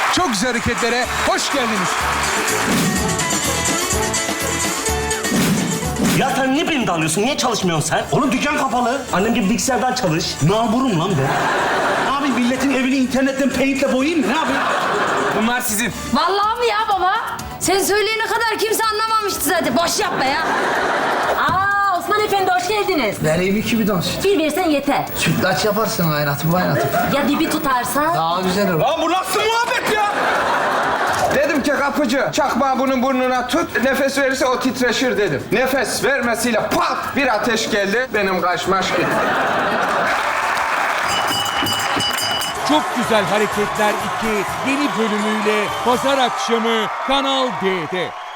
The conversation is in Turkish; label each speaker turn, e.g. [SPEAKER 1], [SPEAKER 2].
[SPEAKER 1] Çok güzel hareketlere hoş geldiniz.
[SPEAKER 2] Ya sen niye beni dalıyorsun? Niye çalışmıyorsun sen? Oğlum dükkan kapalı. Annem gibi bilgisayardan çalış. Namurum lan ben. Ne yapayım? Milletin evini internetten paint'le boyayayım mı? Ne yapayım?
[SPEAKER 1] Bunlar sizin.
[SPEAKER 3] Vallahi mi ya baba? Sen söyleyene kadar kimse anlamamıştı zaten. Boş yapma ya.
[SPEAKER 4] Aa, Osman Efendi hoş geldiniz.
[SPEAKER 5] Vereyim 2 bidon süt.
[SPEAKER 4] Bir versen yeter.
[SPEAKER 5] Sütlaç yaparsın kaynatıp.
[SPEAKER 4] Ya dibi tutarsa?
[SPEAKER 5] Daha güzel olur.
[SPEAKER 1] Lan bu nasıl muhabbet ya?
[SPEAKER 6] Dedim ki kapıcı, çakmağı bunun burnuna tut, nefes verirse o titreşir dedim. Nefes vermesiyle pat bir ateş geldi, benim kaşmaş gitti.
[SPEAKER 1] Çok Güzel Hareketler 2 yeni bölümüyle pazar akşamı Kanal D'de.